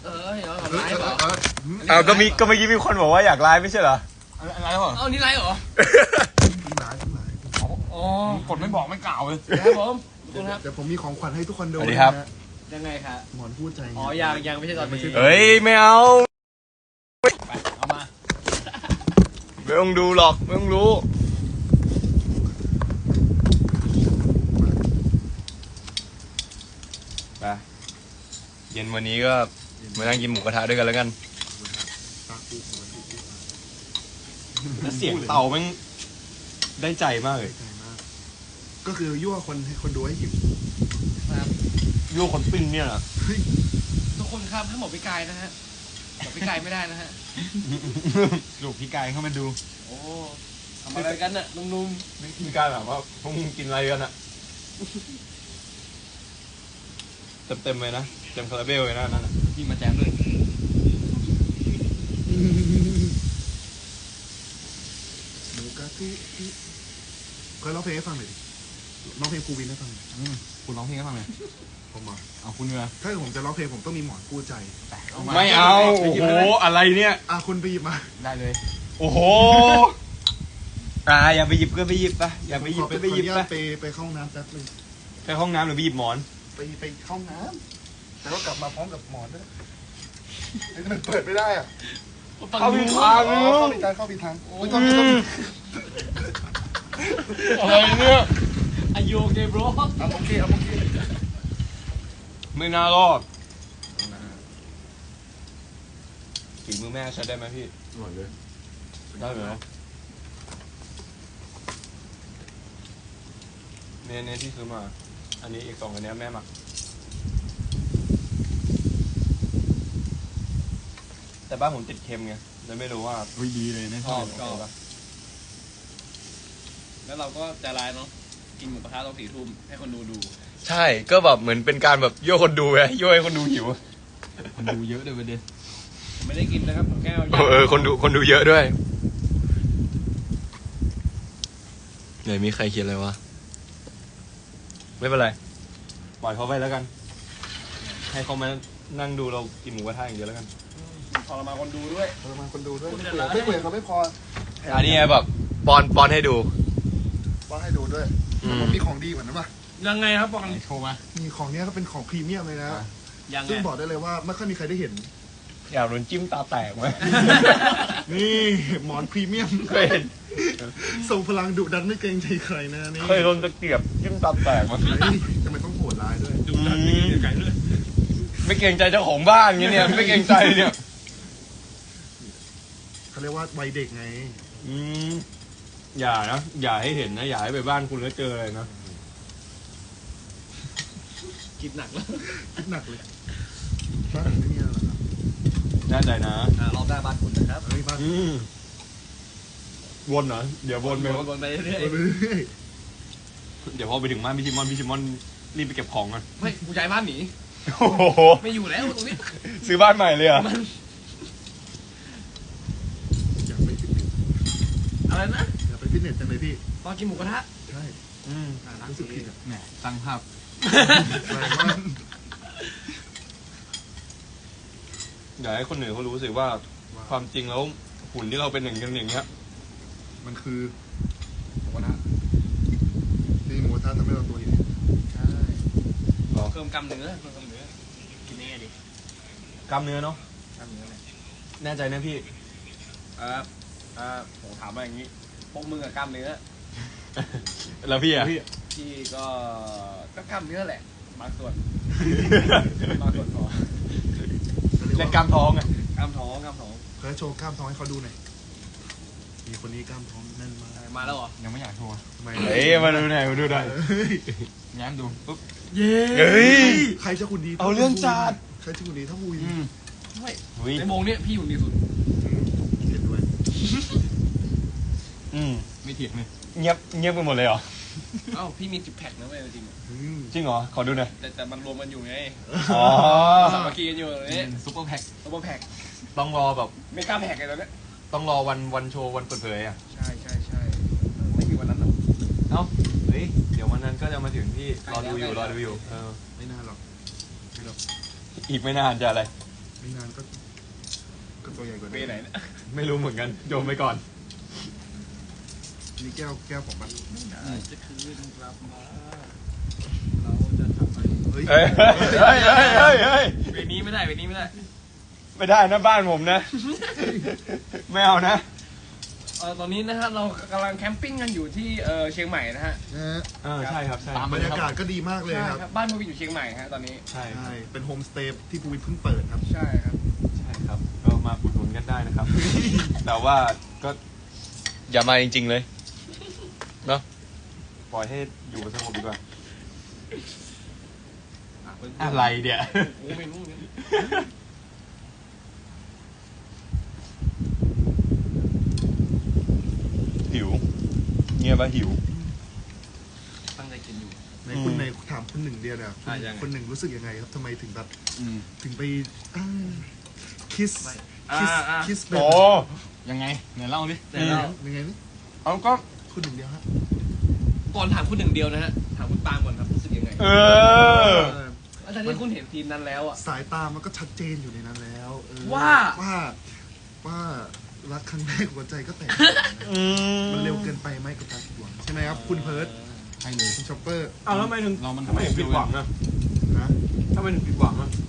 เดี๋ยวไลฟ์เหรอก็เมื่อกี้มีคนบอกว่าอยากไลฟ์ไม่ใช่เหรออะไรเหรอนี่ไลฟ์เหรออ๋อกดไม่บอกไม่กล่าวเลยครับผมเดี๋ยวผมมีของขวัญให้ทุกคนดูสวัสดีครับยังไงครับหมอนพูดใจอ๋อยังไม่ใช่ตอนนี้เฮ้ยไม่เอาเอามาไม่ต้องดูหรอกไม่ต้องรู้ไปเย็นวันนี้ก็มานั่งกินหมูกระทะด้วยกันแล้วกันเสียงเตาแม่งได้ใจมากเลยก็คือยั่วคนให้คนดูให้หิวยั่วคนปิ้งเนี่ยนะทุกคนครับถ้าหมอพี่กายนะฮะหมอพี่กายไม่ได้นะฮะลูกพี่กายเข้ามาดูโอ้ทำอะไรกันน่ะนุ่มๆพี่กายแบบว่าพวกมึงกินอะไรกันอะเต็มเลยนะเต็มคาราเบลเลยนะนั่นพี่มาแจมด้วยหมูกระทุเคยร้องเพลงให้ฟังหน่อยดิร้องเพลงครูวินให้ฟังคุณร้องเพลงให้ฟังไหมผมอ่ะเอาคุณเนี่ยถ้าผมจะร้องเพลงผมต้องมีหมอนกู้ใจไม่เอาโอ้โหอะไรเนี่ยคุณไปหยิบมาได้เลยโอ้โหอย่าไปหยิบก็ไปหยิบไปอย่าไปหยิบก็ไปหยิบไปเข้าห้องน้ำแป๊บนึงไปห้องน้ำหรือไปหยิบหมอนไปเข้าห้องน้ำแต่ว่ากลับมาพร้อมกับหมอนด้วยไอ้นี่มันเปิดไม่ได้อ่ะเข้าผิดทางเข้าผิดทางโอ้ยอะไรเนี่ยอายุโอเคบรโอเคไม่น่ารอดฝีมือแม่ใช้ได้ไหมพี่อร่อยเลยได้ไหมเนี่ยที่ซื้อมาอันนี้อีก2อันนี้แม่หมักแต่บ้านผมติดเค็มไงเลยไม่รู้ว่าดีเลยนะชอบแล้วเราก็ใจร้ายเนาะกินหมูกระทะตอน4 ทุ่มให้คนดูใช่ก็แบบเหมือนเป็นการแบบโยกคนดูไงโยกให้คนดูหิวคนดูเยอะเลยประเด็นไม่ได้กินนะครับแก้วคนดูเยอะด้วยไหนมีใครเขียนอะไรวะไม่เป็นไรปล่อยเขาไปแล้วกันให้เขามานั่งดูเรากินหมูกระทะอย่างเดียวแล้วกันทรมานคนดูด้วยไม่คุยเขาไม่พออันนี้แบบปอนให้ดูด้วยผมมีของดีกว่านั้นป่ะยังไงครับบอกกันโชว์มามีของเนี้ยก็เป็นของพรีเมียมเลยนะซึ่งบอกได้เลยว่าไม่ค่อยมีใครได้เห็นอยากโดนจิ้มตาแตกไหมนี่หมอนพรีเมียมเคยเห็นส่งพลังดุดันไม่เกรงใจใครนะนี่เคยโดนตะเกียบจิ้มตาแตกมั้ยทำไมต้องโหดร้ายด้วยดุดันไม่เกรงใจด้วยไม่เกรงใจเจ้าของบ้านเงี้ยเนี่ยไม่เกรงใจเนี่ยเขาเรียกว่าวัยเด็กไงอย่านะอย่าให้เห็นนะอย่าให้ไปบ้านคุณแล้วเจออะไรนะคิดหนักเลยบ้านไม่มีอะไรหรอครับแน่ใจนะรอบหน้าบ้านคุณนะครับวนเหรอเดี๋ยววนไปเรื่อยเดี๋ยวพอไปถึงบ้านพี่ชิมอนรีบไปเก็บของกันไม่กูย้ายบ้านหนีไม่อยู่แล้วตรงนี้ซื้อบ้านใหม่เลยอ่ะอะไรนะอย่าไปฟิตเนสจังเลยพี่ตอนกินหมูกระทะใช่รู้สึกผิดอ่ะแหมตั้งภาพอยากให้คนอื่นเขารู้สึกว่าความจริงแล้วหุ่นที่เราเป็นอย่างเงี้ยมันคือหมูกระทะนี่หมูกระทะทำให้เราตัวใหญ่ใช่เพิ่มกล้ามเนื้อกินยังไงดิกล้ามเนื้อเนาะกล้ามเนื้อเลยแน่ใจนะพี่ผมถามมาอย่างนี้พวกมึงกับกล้ามเนื้อแล้วพี่อ่ะพี่ก็กล้ามเนื้อแหละบางส่วนพอเล่นกล้ามท้องไงกล้ามท้องเคยโชว์กล้ามท้องให้เขาดูหน่อยมีคนนี้กล้ามท้องแน่นมากมาแล้วเหรอยังไม่อยากโชว์ทำไมมาดูหน่อยแง้มดูปุ๊บใครจะคุณดีเอาเรื่องจัดใครจะคุณดีถ้าวุ้ยในวงนี้พี่อยู่ดีสุดเห็นด้วยไม่เถียงเลยเงียบไปหมดเลยเหรอพี่มี10 แพ็คนะเว้ยจริงเหรอขอดูหน่อยแต่มันรวมกันอยู่ไงสามัคคีกันอยู่นี่ซุปเปอร์แพ็คต้องรอแบบไม่กล้าแพ็คเลยตอนนี้ต้องรอวันโชว์วันเปิดเผยอ่ะใช่ไม่มีวันนั้นหรอกเดี๋ยววันนั้นก็จะมาถึงที่รอดูอยู่ไม่นานหรอกอีกไม่นานจะอะไรไม่นานก็ตัวใหญ่กว่าปีนี้ไหนเนี่ยไม่รู้เหมือนกันโยมไปก่อนนี่แก้วของมันจะคืนกลับมาเราจะทำอะไรเฮ้ยเฮ้ยเฮ้ยเฮ้ยเฮ้ยเฮ้ยเวนี้ไม่ได้เวนี้ไม่ได้ไม่ได้นะบ้านผมนะ ไม่เอานะตอนนี้นะฮะเรากำลังแคมปิ้งกันอยู่ที่เชียงใหม่นะฮะนะฮะใช่ครับใช่บรรยากาศก็ดีมากเลยใช่ครับครับบ้านพวินอยู่เชียงใหม่ฮะตอนนี้ใช่ใช่เป็นโฮมสเตย์ที่ภูวินเพิ่งเปิดครับใช่ครับใช่ครับก็มาอุดหนุนกันได้นะครับ แต่ว่าก็อย่ามาจริงๆเลยเนาะปล่อยให้อยู่กันสงบดีกว่าอะไรเดี๋ยโอ้ไม่รู้เนี่ยหิวเงียบว่าหิวตั้งใจกินอยู่ในคุณในถามคุณหนึ่งเดียวเนี่ยยังไงคนหนึ่งรู้สึกยังไงครับทำไมถึงแบบอืมถึงไปคิสอ่าคิสแบโอ้บยังไงไหนเล่าดิยังไงนี่เอาก็คุณหนึ่งเดียวฮะก่อนถามคุณหนึ่งเดียวนะฮะถามคุณปาล์มก่อนครับรู้สึกยังไงเอออาจารย์ที่คุณเห็นทีมนั้นแล้วอ่ะสายตามันก็ชัดเจนอยู่ในนั้นแล้วว่าว่ารักครั้งแรกหัวใจก็แตก มันเร็วเกินไปไหมกับการผิดหวังใช่ไหมครับคุณเพิร์ดใช่เลยคุณช็อปเปอร์เอาแล้วทำไมถึงเรามันทำไมถึงผิดหวังอ่ะนะทำไมถึงผิดหวังอ่ะ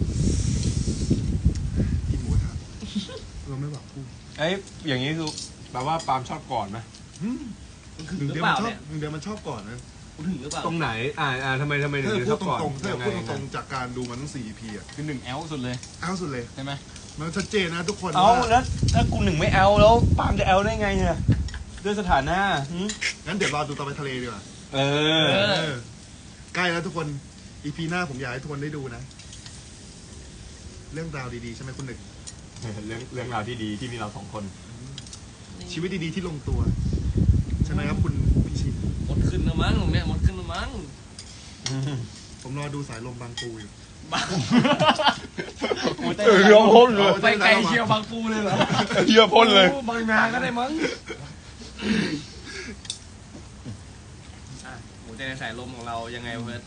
กินหมูกระทะเราไม่หวังพูดเอ้ยอย่างนี้คือแปลว่าปาล์มชอบก่อนไหมหนึ่งเดียวมันชอบหนึ่งเดียวมันชอบก่อนนะคุณถึงหรือเปล่าตรงไหนทำไมถึงถ้าชพูอดบตก่อนรงๆถ้ายังไงพูดตรงๆจากการดูมันทั้ง4 EPอ่ะคือหนึ่งแอลสุดเลยเอาสุดเลยใช่ไหมมันชัดเจนนะทุกคนเอาว่าแล้วถ้ากูหนึ่งไม่เอาแล้วปาล์มจะเอาได้ไงเนี่ยด้วยสถานะหึงั้นเดี๋ยวรอดูตอนไปทะเลดีกว่าเออใกล้แล้วทุกคน EP หน้าผมอยากให้ทุกคนได้ดูนะ เรื่องราวดีๆใช่ไหมคุณหนึ่งเรื่องราวที่ดีที่มีเรา2 คนชีวิตดีๆที่ลงตัว ใช่ไหมครับคุณพิชิตหมดขึ้นแล้วมั้งตรงเนี้ยหมดขึ้นแล้วมั้งผมรอดูสายลมบางปูอยู่เรือพ่นเลยไปไกลเชียวบางปูเลยเหรอเรือพ่นเลยโอ้บางนาก็ได้มั้งหัวใจในสายลมของเรายังไงเพื่อน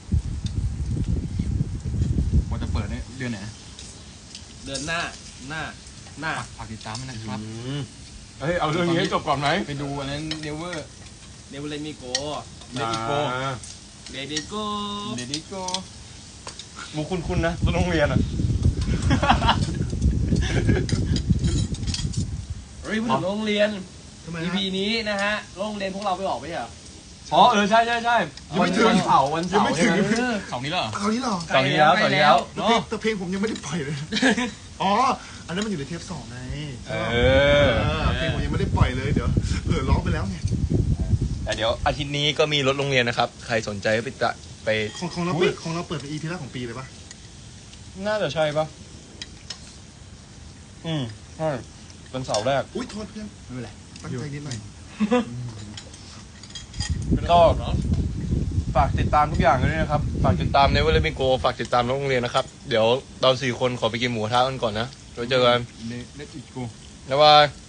ว่าจะเปิดเนี่ยเดือนไหนเดินหน้าฝากติดตามด้วยนะครับเฮ้ยเอาเรื่องนี้ให้จบก่อนไหมไปดูอันนั้นเนเวอร์เนวเลมิโกเลดิโกเดดิโกเดดิโกมุกคุณนะต้นโรงเรียนอ่ะเฮ้ยพูดถึงโรงเรียนทำไม EP ฮะนี้นะฮะโรงเรียนพวกเราไปออกไปเหรออ๋อใช่ยังไม่ถึงวันเสาร์ยังไม่ถึงใช่ไหมเสาร์นี้เหรอเอานี้เหรอเสาร์นี้แล้วเสาร์นี้แล้วแต่เพลงแต่เพลงผมยังไม่ได้ปล่อยเลย อ๋อ อันนั้นมันอยู่ในเทป2ไงเออเพลงผมยังไม่ได้ปล่อยเลยเดี๋ยวร้องไปแล้วไงแต่เดี๋ยวอาทิตย์นี้ก็มีรถโรงเรียนนะครับ ใครสนใจก็ไปของเราเปิดเป็น EP แรกของปีเลยปะน่าจะใช่ปะใช่เป็นเสาร์แรกอุ้ยโทษเพื่อนไม่เป็นไรตั้งใจนิดหน่อยก็ฝากติดตามทุกอย่างเลยนะครับ ฝากติดตามในเวลามิโกฝากติดตามโรงเรียนนะครับ เดี๋ยวเรา4 คนขอไปกินหมูกระทะกันก่อนนะเราเจอกันเลดิโกบ๊ายบาย